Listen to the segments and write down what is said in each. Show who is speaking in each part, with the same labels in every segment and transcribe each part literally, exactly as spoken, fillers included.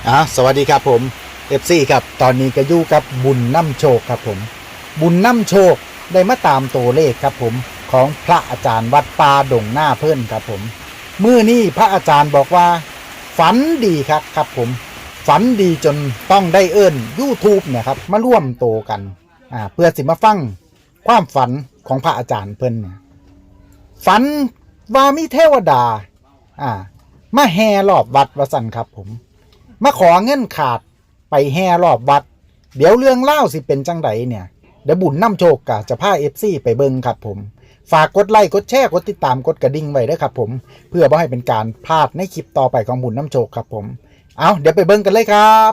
Speaker 1: อ่ะสวัสดีครับผม เอฟ ซี ครับตอนนี้ก็อยู่กับบุญน้ำโชคครับผมบุญน้ำโชคได้มาตามตัวเลขครับผมของพระอาจารย์วัดป่าดงหน้าเพื่อนครับผมมื้อนี้พระอาจารย์บอกว่าฝันดีครับครับผมฝันดีจนต้องได้เอิ้น YouTube เนี่ยครับมาร่วมโตกันอ่าเพื่อสิมาฟังความฝันของพระอาจารย์เพิ่นเนี่ยฝันว่ามีเทวดาอ่ามาแห่รอบวัดวสันครับผมมาขอเงินขาดไปแห่รอบวัดเดี๋ยวเรื่องเล่าสิเป็นจังไดเนี่ยเดี๋ยวบุญน้ำโชคกะจะพา เอฟ ซี ไปเบิ่งครับผมฝากกดไลค์กดแชร์กดติดตามกดกระดิ่งไว้ด้วยครับผมเพื่อบ่ให้เป็นการพลาดในคลิปต่อไปของบุญน้ำโชคครับผมเอาเดี๋ยวไปเบิ่งกันเลยครับ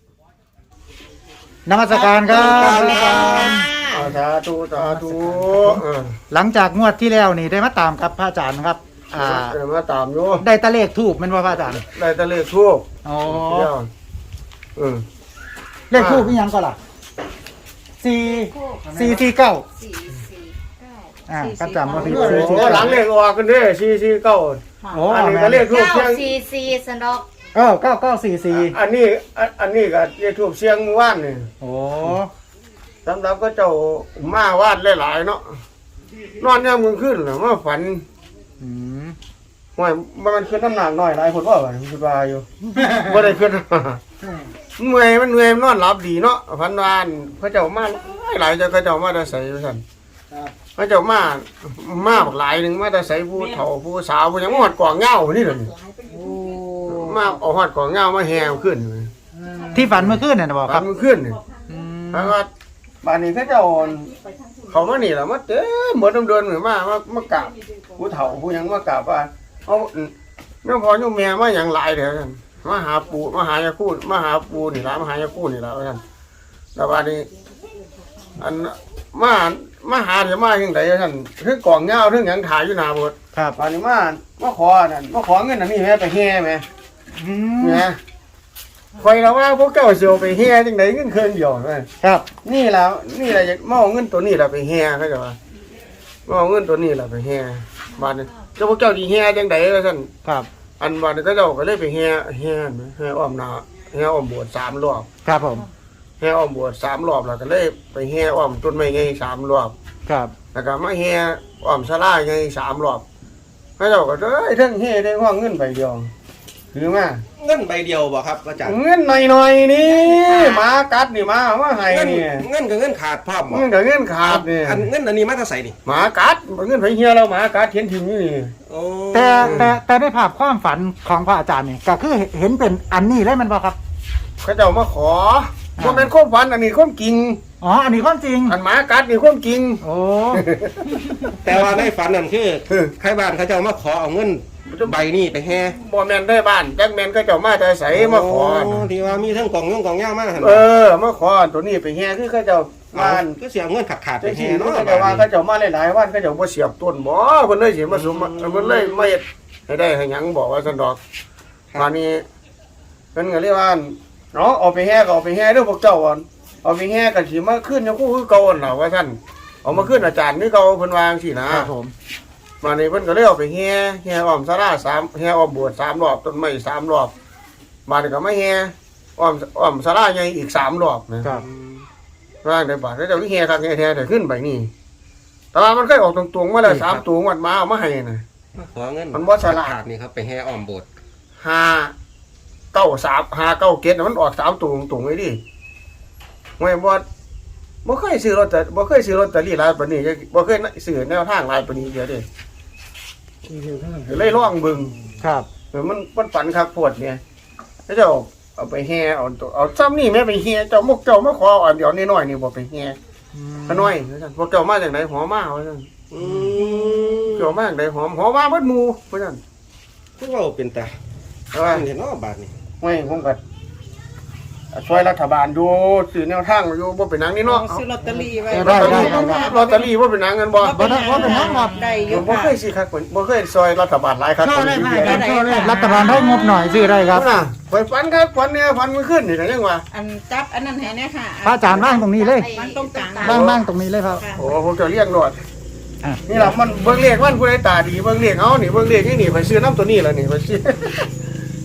Speaker 1: นมัสการครับ
Speaker 2: สาธุสาธุ
Speaker 1: หลังจากงวดที่แล้วนี่ได้มาตามครับพระอาจารย์ครับอ่า
Speaker 2: เดี๋ยวมาตามอยู่
Speaker 1: ได้ตะเลขทูบมันว่าพระอาจารย์
Speaker 2: ได้แตะเลขทูบ
Speaker 1: อ๋อ
Speaker 2: เดี๋ยวเออ
Speaker 1: เลขทูบมีหยังก็ล่ะสี่สี่สี่เก้า
Speaker 3: สี่สี่เก้า
Speaker 1: อ่าก็จำว่าผิด
Speaker 2: โอ้หลังเลขออกกันเด้สี่สี่เก้า
Speaker 1: โอ้
Speaker 2: อันนี้ก็เลขทูบ
Speaker 3: เก้า
Speaker 2: เสียง
Speaker 3: สี่สี่สนอก
Speaker 1: เออเก้าเก้าสี่สี่
Speaker 2: อันนี้อันอันนี้ก็เลขทูบเสียงว่านนี่
Speaker 1: โอ้
Speaker 2: สำหรับก็เจ้ามาว่านหลายๆเนาะนอนย่ำมึงขึ้นหรือมาฝัน
Speaker 1: อืม
Speaker 2: ว่ามันขึ้นน้ำหนักน้อยหลายคนว่ามันคิดว่าอยู่บ่ได้ขึ้นเมื่อยมันเมื่อยมันนอนหลับดีเนาะฝันวานพระเจ้ามาหลายเจ้าก็เจ้ามาได้ใส่สั่น พระเจ้ามามาบักหลายหนึ่งมาแต่ใส่ผู้เฒ่าผู้สาวผู้หยังมาหอดกว่างเงานี่เลยมาเอาหอดกว่างเงามาแห่ขึ้น
Speaker 1: ที่ฝันเมื่อคืนเนี่ยนะบอกค
Speaker 2: ครั
Speaker 1: รั
Speaker 2: บบ มันขึ้นนี่
Speaker 1: อืม
Speaker 2: แล้วก็บ้านนี้พระเจ้าเขามานี่แหละมาเต็มหมดเดินเหมือนมามามากราบผู้เฒ่าผู้หยังมากราบว่าเอาแม่พ่อโยมแม่มาอย่างหลายเถอะท่านมาหาปู่มาหายาคูมาหาปู่นี่ละมาหายาคูนี่ละท่านแล้วบ้านนี้อันมามาหาเดี๋ยวมาอย่างไรท่านเรื่องกล่องเงาเรื่องหยังถ่ายอยู่หน้าบด
Speaker 1: ครับ
Speaker 2: อันนี้มามาขอนั่นมาขอเงินอันนี้แม่ไปแห่แม่
Speaker 1: อืม
Speaker 2: แม่คอยเราว่าพวกเจ้าเสียวไปแห่จังไดเงินเครื่องเดียวแม่
Speaker 1: ครับ
Speaker 2: นี่แล้วนี่แหละมาเอาเงินตัวนี้เราไปแห่เขาจะว่ามาเอาเงินตัวนี้เราไปแห่บ้านนี้เจ้าพวกเจ้าดีแห่จังไดท่าน
Speaker 1: ครับ
Speaker 2: อันบ้านนี้ก็เจ้าก็เลยไปแห่แห่แห่อ้อมนาแห่อ้อมโบสถ์สามรอบ
Speaker 1: ครับผม
Speaker 2: แห่อ้อมโบสถ์สามรอบแล้วก็เลยไปแห่อ้อมต้นไม้ไงสามรอบ
Speaker 1: ครับ
Speaker 2: แล้วก็มาแห่อ้อมศาลาไงสามรอบให้เราก็เอ้ยทั้งแห่ได้ห้องเงินใบเดียวคือมา
Speaker 4: เงินใบเดียวบ่ครับอาจารย์
Speaker 2: เงินหน่อยๆนี่หมากัดนี่หมาว่าไง
Speaker 4: เงิน
Speaker 2: นี่
Speaker 4: เงินกับเงินขาดพร้อมบ่
Speaker 2: เงินกับเงินขาดนี่
Speaker 4: อันเงินอันนี้มาจะใส่นี่
Speaker 2: หมากัดเงินไผเฮียเราหมากัดเทียนทิ้งนี่
Speaker 4: โอ้
Speaker 1: แต่แต่แต่ในภาพความฝันของพระอาจารย์นี่ก็คือเห็นเป็นอันนี้เลยมันบอกครับ
Speaker 2: เขาเจ้ามาขอว่าเป็นความฝันอันนี้ความจริง
Speaker 1: อ๋ออันนี้ความจริง
Speaker 2: อันหมากัดนี่ความจริง
Speaker 1: โอ้
Speaker 4: แต่ว่าในฝันนั่นคือใครบ้านเขาเจ้ามาขอเอาเงินใบนี้ไปแห่
Speaker 2: บ่แม่นได้บ้านจักแม่นเขาเจ้ามาแต่ใสมาขอ
Speaker 4: โที่ว่ามีทั้งกล่องยงกล่องย่ามาหั่น
Speaker 2: เออมาขอตัวนี้ไปแห่คือเขาเจ้า
Speaker 4: เอา
Speaker 2: บ้าน
Speaker 4: ก็เสียเงินขาดขาดๆไป
Speaker 2: แต่ที่
Speaker 4: แห่
Speaker 2: นู้
Speaker 4: เนาะ
Speaker 2: นเขาเจ้าว่าเขาเจ้ามาหลายๆวันเขาเจ้าบ่เสียบต้นบ่เพิ่นเลยสิมาสมเพิ่นเลยมาเฮ็ดให้ได้ให้หยังบอกว่าซั่นดอกมานี้เพิ่นก็เรียกว่าเนาะเอาไปแห่ก็เอาไปแห่เด้อพวกเจ้าอ่ะเอาไปแห่ก็สิมาขึ้นยังคู่คือเก่าหั่นล่ะว่าซั่นเอามาขึ้นอาจารย์นี่เก่าเพิ่นวาจังซี่นะครับ
Speaker 1: ผม
Speaker 2: มานี้เพิ่นก็เลยเอาไปแห่แห่อ้อมศาลาสามแห่อ้อมโบสถ์สามรอบต้นไม้สามรอบมานี้ก็มาแห่อ้อมอ้อมศาลาใหญ่อีกสามรอบนะ
Speaker 1: ครับ
Speaker 2: ร่างได้บาทแล้วเจ้าที่แห่คักแห่แท้ได้ขึ้นไปนี่แต่ว่ามันเคยออกตรงๆมาแล้วสามตัวงวดมาเอามาให้น่ะ
Speaker 4: มาขอเงิน
Speaker 2: มันบ่ฉลาด
Speaker 4: ขาดนี่ครับไปแห่อ้อมโบสถ์
Speaker 2: ห้าเก้าสามห้าเก้าเกตมันออกสามตัวตรงๆไว้ดิไม่บ่บ่เคยซื้อรถแต่บ่เคยซื้อรถแต่ลี่หลายปานนี้บ่เคยซื้อแนวทางหลายปานนี้เดียวเด้เลยลองเบิ่ง
Speaker 1: ครับ
Speaker 2: เออมันมันฝันคักโพดเนี่ยแล้วเจ้าเอาไปแห่เอาตัวเอาซ้ำนี่แม่ไปแห่เจ้ามกเจ้ามาขออันเดียวน้อยๆนี่บ่ไปแห่ขน้อยว่าซั่นพวกเจ้ามาจากไหนหอมาว่าซั่น
Speaker 4: อืม
Speaker 2: เจ้ามาจากไหนหอมหอมาเบิดหมู่ว่าซั่น
Speaker 4: คือว่าเป็นตา
Speaker 2: แต่ว่า
Speaker 4: เห็นเนาะบาทนี่
Speaker 2: ไม่ผมก็ช่วยรัฐบาลอยู่สื่อแนวทางอยู่บ่เป็นหนังนี่เนาะ
Speaker 3: ซื้อลอตเตอรี่ไว้
Speaker 1: ได้ได้ได้
Speaker 2: ลอตเตอรี่บ่เป็นหนังกันบ่
Speaker 1: บ่ได้บ่เป็นหยังครับ
Speaker 3: ได้อ
Speaker 2: ผ
Speaker 3: ยู่
Speaker 2: มบ่
Speaker 3: ค่ะ
Speaker 2: เคยสิครับผมบ่เคยซอยรัฐบาลหลายครับ
Speaker 1: ช่วยได้
Speaker 2: ผม
Speaker 1: ไหม
Speaker 2: อยู่
Speaker 1: ครับ
Speaker 2: เดียว
Speaker 1: ช่วยได้รัฐบาลให้งบหน่อยซื้อได้ครับ
Speaker 2: น่ะข่อยฝันครับฝันเนี่ยฝันมื้อคืนนี่ก็ยังว่า
Speaker 3: อันจับอันนั้นให้แน่ค่ะ
Speaker 1: พระอาจารย์ว่างตรงนี้เลย
Speaker 3: มันตรงกลาง
Speaker 1: บ้างบ้างตรงนี้เลยครับ
Speaker 3: ค่ะ
Speaker 2: โอ้ผมจะเรียกรถ
Speaker 1: อ่ะ
Speaker 2: นี่ล่ะมันเบิ่งเลขมันผู้ใดตาดีเบิ่งเลขเอานี่เบิ่งเลขนี่นี่ไปซื้อน้ำตัวนี้ล่ะนี่ไปซื้อ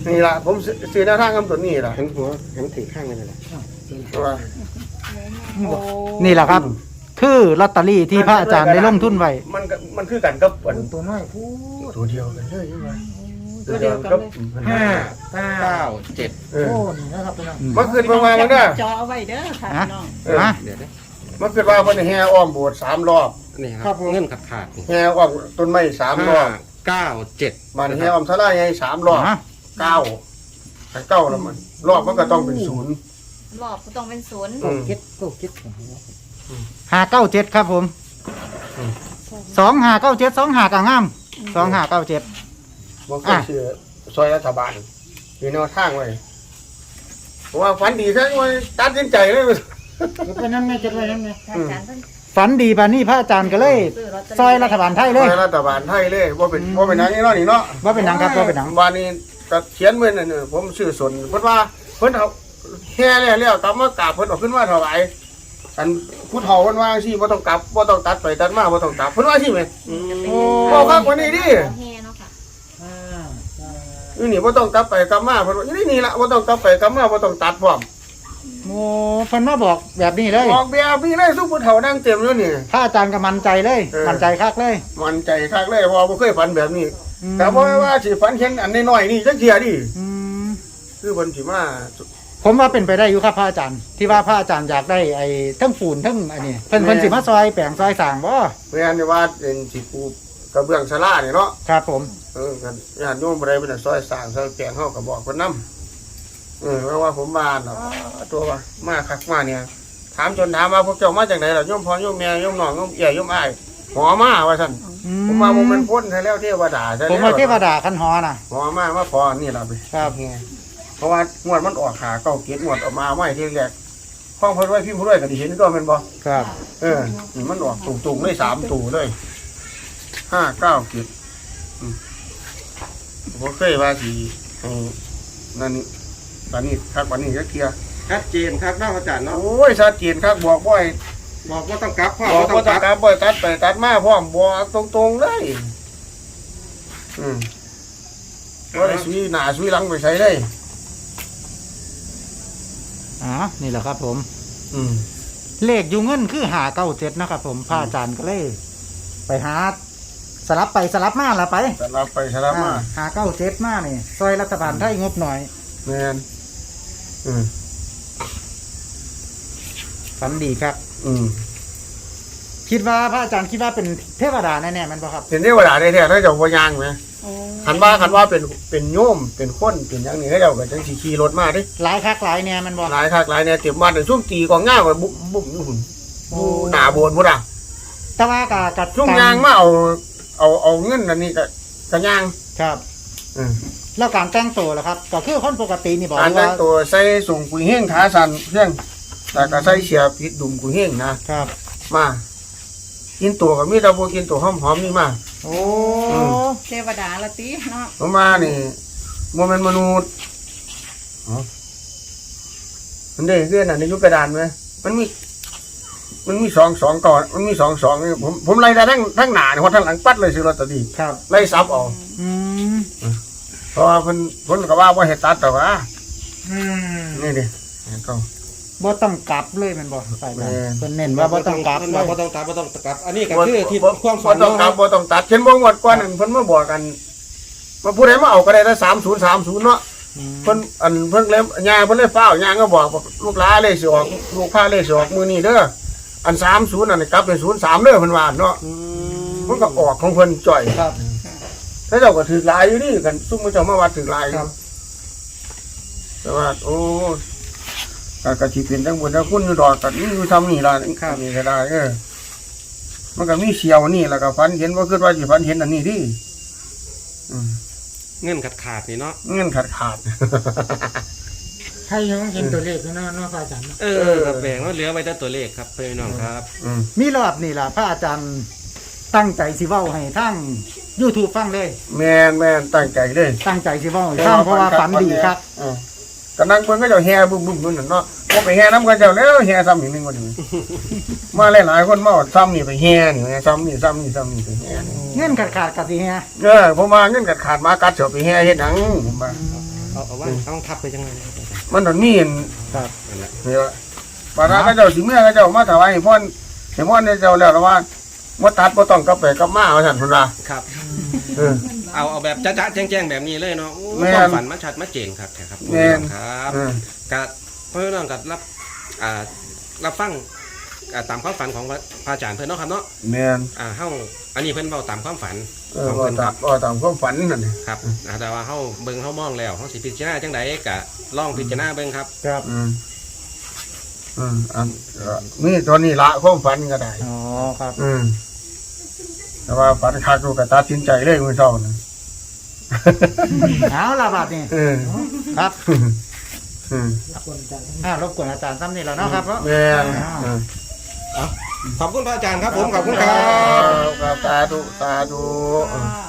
Speaker 2: นี่ล่ะผมซื้อซื้อแนวทางคำตัวนี้ล่ะ
Speaker 4: เห็นหัวเห็นถือข้างเลยแหละ
Speaker 2: ว่า
Speaker 1: นี่แหละครับ คือลอตเตอรี่ที่พระอาจารย์ได้ลงทุนไว้
Speaker 2: มันก็มันคือกันกับอัน
Speaker 5: ตัวน้อยผู้
Speaker 2: ตัวเดียวกันเลยใช่ไหม
Speaker 3: ตัวเดียวกันเลย
Speaker 5: ห้าเก้า
Speaker 4: เก้าเจ็ด
Speaker 2: เออ
Speaker 5: โอ้นี่นะครับพี่น้อง
Speaker 2: มันขึ้นมาว่ามันเด้อ
Speaker 3: จอเอาไว้เด้อค่ะ
Speaker 1: ฮะ
Speaker 3: พี่น้อง
Speaker 2: เออ
Speaker 1: ฮะ
Speaker 4: เดี๋ยวนะ
Speaker 2: มันขึ้นว่าเพิ่นแห่อ้อมโบสถ์สามรอบ
Speaker 4: นี่ครับเงินขาดขาดนี่
Speaker 2: แห่อ้อมต้นไม้สามร
Speaker 4: ห้า
Speaker 2: อบ
Speaker 4: เก้าเจ็ด
Speaker 2: มันแห่อ้อมทลายไงสามรอบ
Speaker 1: ฮะ
Speaker 2: เก้าแต่เก้าแล้วมันรอบมันก็ต้องเป็นศูนย์
Speaker 3: รอบก็ต้องเป็นศูนย์
Speaker 2: อืม
Speaker 5: เก็ดโก้เก็ดของ
Speaker 1: ห้าเก้าเจ็ดครับผม
Speaker 2: อืม
Speaker 1: สองห้าเก้าเจ็ดสองห้ากางามสองห้าเก้าเจ็ด
Speaker 2: บ่เคยเชื่อซอยรัฐบาลมีแนวทางไว้เพราะว่าฝันดีซะว่าตัดสินใจเลย
Speaker 5: เก็บไว้นั่นไงเก็บไว้นั่นไง
Speaker 3: อาจารย์เพิ่น
Speaker 1: ฝันดีปานนี้พระอาจารย์ก็เลย
Speaker 3: ซื้อลอตเตอรี่
Speaker 1: ซอยรัฐบาลไทย
Speaker 2: ซ
Speaker 1: เล
Speaker 2: อย ยรัฐบาลไทยเลยว่าเป็นว่าเป็นหนังนี่เนาะนี่เนาะ
Speaker 1: ว่าเป็นหนังครับว่าเป็นหนัง
Speaker 2: วันนี้ก็เขียนไว้นั่นน่ะผมชื่อสนเพิ่นว่าเพิ่นเอาแห่แล้วแล้วกลับมากราบเพิ่นเออกขึ้นมาถวายอันผู้เฒ่าเพิ่นว่าสิบ่ต้องกลับบ่ต้องตัดไปตัดมาบ่ต้องกลับเพิ่นว่าสิแม่
Speaker 1: โอ้
Speaker 2: บ่ครับวันนี้ดิ
Speaker 3: ของแห่เนาะค่ะ
Speaker 5: ห้าเก้า
Speaker 2: อยู่นี่บ่ต้องกลับไปกลับมาเพิ่นว่าอยู่นี่นี่ล่ะบ่ต้องกลับไปกลับมาบ่ต้องตัดพร้อม
Speaker 1: โหเพิ่นมาบอกแบบนี้เลย
Speaker 2: ออกแบบนี้เลยซุปผู้เฒ่านั่งเต็มอยู่นี่
Speaker 1: พระอาจารย์ก็มั่นใจเลย
Speaker 2: เออ
Speaker 1: มั่นใจคักเลย
Speaker 2: มันใจคักเลยเพอบ่เคยฝันแบบนี้
Speaker 1: อืม
Speaker 2: แต่บ่ว่าสิฝันเห็นอันน้อยๆนี่จักเที่ยดิ
Speaker 1: อืม
Speaker 2: คือเพิ่นสิมา
Speaker 1: ผมว่าเป็นไปได้อยู่ครับพระอาจารย์ ที่ว่าพระอาจารย์อยากได้ไอ้ทั้งฝุ่นทั้งอันนี้เพิ่นเพิ่นสิมาซอยแปลงซอยสร้างบ่
Speaker 2: แม่นนี่ว่าเป็นสิปูกระเบื้องศาลานี่เนาะ
Speaker 1: ครับผม
Speaker 2: เออกันญาติโยมบ่ได้เป็นซอยสร้างซอยแปลงเฮาก็บอกเพิ่นนํเออเพราะว่าผมมาเนาะตัวว่ามาคักมาเนี่ย ถามจนถามว่าพวกเจ้ามาจากไหนล่ะโยมพ่อโยมแม่โยมน้องโยมเอี่ยโยมอ้ายหอมาว่าซั่น
Speaker 1: อื
Speaker 2: ผมมาบ่แม่นพ้นให้แล้วเทวดาซะ
Speaker 1: ผมว่าเทวดาคันหอน่ะ
Speaker 2: หอมามาพอนี่ล่ะไป
Speaker 1: ครับ
Speaker 2: เพราะว่างวดมันออกขาเก้าเกียรติงวดออกมาไม่ที่แรกห้องเพิ่นไว้พิมพ์เพิ่นไว้ก็ได้เห็นก็แม่นบ่
Speaker 1: ครับ
Speaker 2: เออนี่มันออกตุงๆเลยสามตู่เลยห้าเก้าเกียรติอืมบ่เคยว่าสิให้นั่นนี่ตอนนี้คักวันนี้ก็เคลียร์
Speaker 4: ชัดเจนครับเนาะอาจารย์เนาะ
Speaker 2: โอ้ยชัดเจนคักบอกบ่อย
Speaker 4: บอกว่าต้องกลับพ่อ
Speaker 2: บอก
Speaker 4: ต้อ
Speaker 2: บ่
Speaker 4: ง
Speaker 2: ต้อง
Speaker 4: ก
Speaker 2: ก
Speaker 4: ลั
Speaker 2: ลั
Speaker 4: บบ
Speaker 2: บ่ตัดไปตัดมาพร้อมบอกตรงๆเลยอืมบ่ได้สุยหน้าสุยหลังไปใส่เลย
Speaker 1: อ๋อนี่แหละครับผม
Speaker 2: อืม
Speaker 1: เลขอยู่เงินคือหาเก้าเจ็ดนะครับผมพระอาจารย์ก็เลย ไปหาสลับไปสลับมาละไป
Speaker 2: สลับไปสลับมา
Speaker 1: หาเก้าเจ็ดมานี่ซอยรัฐบาลไทยงบหน่อย
Speaker 2: แม่นอืม
Speaker 1: ฝันดีครับ
Speaker 2: อืม
Speaker 1: คิดว่าพระอาจารย์คิดว่าเป็นเทวดาแน่ๆมันป่ะครับ
Speaker 2: เป็นเทวดาได้แท้ถ้าเจ้าบ่ย่างไหม
Speaker 3: โอ้
Speaker 2: คันว่าคันว่าเป็นเป็นโยมเป็นคนเป็นหยังนี่เขาเจ้าก็จังสิขี่รถมาเดิ
Speaker 1: หลายคักหลายเนี่ยมันบ่
Speaker 2: หลายคักหลายเนี่ยเต็มบ้านแต่ช่วงตีกองง่ายว่าบุบบุบอยู่หุ่นอยู่หน้าโบนพุ่นอ่ะ
Speaker 1: แต่ว่ากับกับ
Speaker 2: ช่วงยางมาเอาเอาเอาเงินอันนี้ก็ก็ย่าง
Speaker 1: ครับ
Speaker 2: อืม
Speaker 1: แล้วการแต่งตัวล่ะครับ ก็คือคนปกตินี่บอก
Speaker 2: การแต่
Speaker 1: ว่าง
Speaker 2: ตัวใส่ส่งกุยเฮงขาสั่นเพียงแต่ก็ใส่เสียผิดดุมกุยเฮงนะครับ มากินตัวก็มีแต่บ่กินตัวหอมๆนี่มา
Speaker 1: โอ้
Speaker 3: เทวดาละติเนาะ
Speaker 2: ผมมานี่บ่แม่นมนุษย์อ๋อมันได้คืออันในยุคกระดานไหมมันมี มันมีสองสองก่อนมันมีสองสองนี่ผมผมไล่ได้ทั้งทั้งหน้านี่เพราะทั้งหลังปัดเลยซื้อลอตเตอรี่
Speaker 1: ครับ
Speaker 2: ไล่ซับเออก
Speaker 1: อืม
Speaker 2: เพราะว่าเพิ่นเพิ่นก็ว่าบ่เฮ็ดตัดแต่ว่า
Speaker 5: อืม
Speaker 2: นี่ดิก็
Speaker 1: บ่ต้องกลับเลยแมันบ่ไป
Speaker 2: แม่
Speaker 1: นะเพิ่นเน้นว่าบ่ต้องกลับเล
Speaker 4: บอก
Speaker 1: ย
Speaker 4: ว่าต้องกลับว่าต้องกลับ อันนี้ก็คือที่ความฝั
Speaker 2: บ่
Speaker 4: น
Speaker 2: ต้องกลับ
Speaker 4: เนาะ
Speaker 2: บ่ต้องตัดเห็นบ่งวดก่อนนั่นเพิ่นมาบอกกันว่าผู้ใดมาเอาก็ได้ละสามศูนย์สามศูนย์เนาะ
Speaker 1: อืม
Speaker 2: เพิ่นอันเพิ่นเลยย่าเพิ่นเลยฟ้าวย่าก็บอกว่าลูกหลานเลขสิออกลูกพาเลขสิออกมื้อนี้เด้ออันสามศูนย์อันนี้กลับเป็นศูนย์สามเด้อเพิ่นว่าเนาะ
Speaker 1: อืม
Speaker 2: มันก็ออกของเพิ่นจ่อย
Speaker 1: ครับ
Speaker 2: ถ้าเจ้าก็ถือหลายอยู่นี่กันซุ่มมันเจ้ามาวัดถือหลายอ
Speaker 1: ครั
Speaker 2: ยู่
Speaker 1: บ
Speaker 2: แต่ว่า โอ้ก็กะสิเป็นทั้งบนทั้งคุณอยู่ดอกกันนี่อยู่ทำนี่ล่ะนี่ครับนี่ก็ได้เออมันก็มีเสียวนี่แล้วก็ฝันเห็นว่าคิดว่าสิฝันเห็นอันนี้ดิอืม
Speaker 4: เงินขาดขาดนี่เนาะ
Speaker 2: เงินขาดขาด
Speaker 5: ใครยังเห็นตัวเลขอยู่เนาะเนาะพระอาจารย์เนาะ
Speaker 4: เออครับแบ่งแล้วเหลือไว้แต่ตัวเลขครับพี่น้องครับ
Speaker 2: อืม
Speaker 1: มีรอบนี่ล่ะพระอาจารย์ตั้งใจสิเว้าให้ทั้ง YouTube ฟังเลย
Speaker 2: แม่นแม่นตั้งใจเลย
Speaker 1: ตั้งใจสิเว้าให้ฟังเพราะว่าฝันดีครับ
Speaker 2: เออก็นั่งเพิ่นก็เจ้าแห่บึ้มบึ้มนั่นเนาะบ่ไปแห่นำกันเจ้าแล้วแห่ซ้ำอีกหนึงว่านี้ มาหลายๆคนมาเอาซ้ำนี่ไปแห่นี่ซ้ำนี่ซ้ำนี่ซ้ำนี่ไปแห่นี่
Speaker 1: เงินขาดขาดๆกะสิแฮะ
Speaker 2: เออผมว่าเงินกัดขาดมากัดเสียวไปแห่เฮ็ดหนังผมว่า
Speaker 1: อ
Speaker 4: เอาเอาว่าต้องทับไปจังไงนะครับอาจารย์
Speaker 2: มันต้องมีอัน
Speaker 1: ครับ
Speaker 4: นั่นแหละ
Speaker 2: นี่ว่าบาดาเขาเจ้าสิเมื่อเขาเจ้ามาถวายให้พ่อนให้พ่อนเนี่ยเจ้าแล้วว่าบ่ตัดบ่ต้องกลับไปกลับมาว่าซั่นพุ่นว่า
Speaker 4: ครับ
Speaker 2: เออ
Speaker 4: เอาเอาแบบจ้าๆแจ้งๆแบบนี้เลยเนาะโอ้
Speaker 2: แม่น
Speaker 4: ความฝันมาชัดมาเจ๋งครับครับ
Speaker 2: แม่น
Speaker 4: ครับ
Speaker 2: เออ
Speaker 4: กับเพื่อนน้องกับรับอ่ารับฟังอ่าตามความฝันของพระพระอาจารย์เพื่อนเนาะครับเนาะ
Speaker 2: แม่น
Speaker 4: อ่าเฮาอันนี้เพิ่นเว้าตามความฝัน
Speaker 2: เออ
Speaker 4: ของ
Speaker 2: บ่
Speaker 4: เพิ่นค
Speaker 2: ตา
Speaker 4: รั
Speaker 2: ม
Speaker 4: บ
Speaker 2: บ่ตามความฝันนั่นนี่
Speaker 4: ครับอ่าแต่ว่าเฮาเบิ่งเฮามองแล้วเฮาสิพิจารณาจังไดก็ลองพิจารณาเบิ่งครับ
Speaker 1: ครับ
Speaker 2: อืมอืมอันเอ่อมีตัวนี้ละความฝันก็ได้
Speaker 1: อ๋อครับ
Speaker 2: อืมแต่ว่าฝันคักกูก็ตัดสินใจเลยมื้อเช้านะ
Speaker 1: เอาละบาดนี่
Speaker 2: เออ
Speaker 1: ครับ
Speaker 2: อืม
Speaker 1: อ่ารบกวนอาจารย์ซ้ำนี่แล้วเนาะครับเนาะ
Speaker 2: แม่นเออ
Speaker 4: ขอบคุณพระอาจารย์ครับผมขอบคุณครับ
Speaker 2: ครับสาธุสาธุ
Speaker 3: ค่ะ